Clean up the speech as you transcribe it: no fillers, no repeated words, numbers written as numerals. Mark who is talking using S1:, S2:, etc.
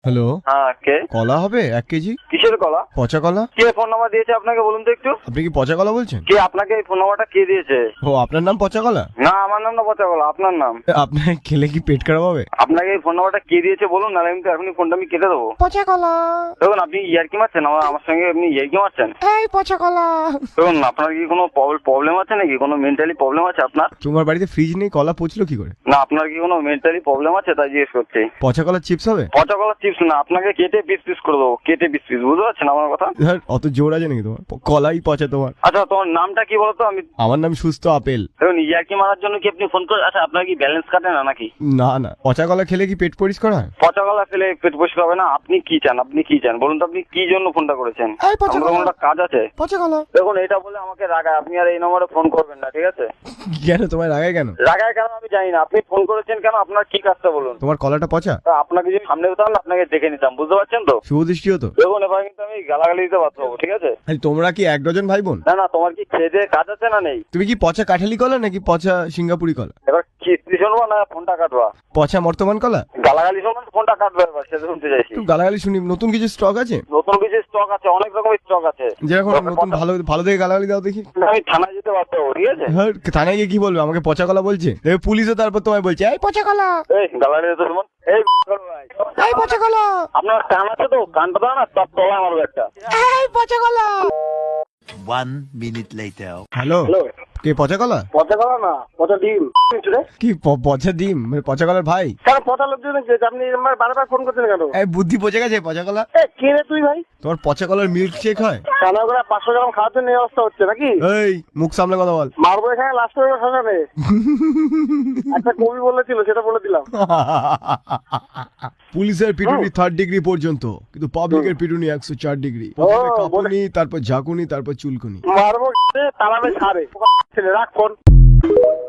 S1: Hello,
S2: হ্যাঁ কে?
S1: কলা হবে 1 কেজি?
S2: কিসের কলা?
S1: পচা কলা।
S2: কে ফোন নাম্বার দিয়েছে আপনাকে বলুন তো একটু?
S1: আপনি কি পচা কলা বলছেন?
S2: কে আপনাকে এই ফোন নাম্বারটা কে দিয়েছে?
S1: ও, আপনার নাম পচা কলা?
S2: না আমার নাম না পচা কলা, আপনার নাম।
S1: আপনার খেলে কি পেট খারাপ হবে?
S2: আপনাকে এই ফোন নাম্বারটা কে দিয়েছে বলুন, না আমি তো এখনই ফোনটা আমি কেটে দেবো।
S1: পচা কলা।
S2: দেখুন আপনি ইয়ার্কি মারছেন, আমার সঙ্গে আপনি ইয়ার্কি মারছেন।
S1: এই পচা কলা।
S2: দেখুন আপনার কি কোনো প্রবলেম আছে নাকি? কোনো মেন্টালি প্রবলেম আছে আপনার?
S1: তোমার বাড়িতে ফ্রিজ নেই, কলা পচলো কি করে?
S2: না আপনার কি কোনো মেন্টালি প্রবলেম আছে তাই জিজ্ঞেস করছি।
S1: পচা কলার চিপস হবে?
S2: পচা কলা চিপস না, আপনাকে কেটে পিস পিস করে দেবো, কেটে পিস পিস, বুঝতে পারছেন আমার কথা?
S1: ধর, অত জোর আছে নাকি তোমার? কলাই পচা তোমার।
S2: আচ্ছা তোমার নামটা কি বলতো? আমি
S1: আমার নাম সুস্থ আপেল।
S2: দেখুন ইয়ার্কি মারার জন্য কি আপনি ফোন করে? আচ্ছা আপনার কি ব্যালেন্স কাটে না নাকি?
S1: না না, পচা কলা খেলে কি পেট পরিষ্কার হয়?
S2: পচা কলা খেলে পেট পরিষ্কার হবে না? আপনি কি চান? আপনি কি চান বলুন তো? আপনি কি জন্য ফোনটা করেছেন?
S1: এই পচা
S2: আমার
S1: কলা।
S2: কোনো কাজ আছে?
S1: পচা কলা।
S2: দেখুন এটা বলে আমাকে রাগায়, আপনি আর এই নম্বরে ফোন করবেন না, ঠিক আছে?
S1: কেন তোমায় রাগায় কেন?
S2: রাগায় কেন আমি জানি না, আপনি ফোন করেছেন কেন? আপনার কি কাজটা বলুন?
S1: তোমার কলাটা পচা?
S2: তা আপনাকে যদি সামনে পেতাম না আপনাকে দেখে নিতাম, বুঝতে পারছেন তো?
S1: শুভ দৃষ্টি হতো।
S2: দেখুন এবার কিন্তু আমি গালাগালি দিতে বাধ্য হবো, ঠিক আছে?
S1: আরে তোমরা কি 1 ডজন ভাই বোন?
S2: না না, তোমার কি খেয়ে দেয়ে কাজ আছে না নেই?
S1: তুমি কি পচা কাঠালি কলা নাকি পচা সিঙ্গাপুরি কলা?
S2: এবার কিস্তি শুনবো না ফোনটা কাটবা?
S1: পচা বর্তমান কলা?
S2: গালাগালি শুনবো না ফোনটা কাটবে, এবার সেটা শুনতে চাইছি।
S1: একটু গালাগালি শুনি। নতুন কিছু স্টক আছে?
S2: নতুন কিছু স্টক আছে, অনেক রকমের স্টক আছে।
S1: যেরকম নতুন ভালো ভালো দেখে গালাগালি দাও দেখি।
S2: আমি থানায় যেতে বাধ্য হবো, ঠিক আছে?
S1: হ্যাঁ, থানায় গিয়ে কি বলবে? আমাকে পচা কলা বলছে, দেখবে পুলিশও তারপর তোমায় বলছে এই পচা কলা।
S2: এই গালাগালি দিতে শুনুন, এই ভাই
S1: এই পচা কলা।
S2: আপনার কান আছে তো? কানটা দাও না, সব তলা মারবো একটা।
S1: এই পচা কলা।
S3: 1 minute later.
S1: হ্যালো,
S2: হ্যালো,
S1: কে পচা কলা?
S2: পচা কলা না, পচা ডিম।
S1: কি পচা ডিম? মানে পচা কলার ভাই?
S2: কেন পচা লোক দিন? আপনি আমার বারবার ফোন করছেন কেন?
S1: এই বুদ্ধি পচে গেছে পচা কলা।
S2: কে রে তুই ভাই?
S1: তোমার পচা কলার মিল্ক শেক হয়?
S2: কানা করে 500 গ্রাম খাওয়ার জন্য এই অবস্থা হচ্ছে নাকি?
S1: এই মুখ সামলে কথা বল।
S2: মারবো এখানে লাস্ট করে শ্মশানে। একটা কবি বলেছিল, সেটা বলে দিলাম।
S1: পুলিশের পিটুনি 3rd ডিগ্রি পর্যন্ত, কিন্তু পাবলিকের পিটুনি 104 ডিগ্রি। প্রথমে কাঁপুনি, তারপর ঝাঁকুনি, তারপর চুলকুনি।
S2: মারবো তালাবে ছাড়ে ছেলে, রাখ ফোন।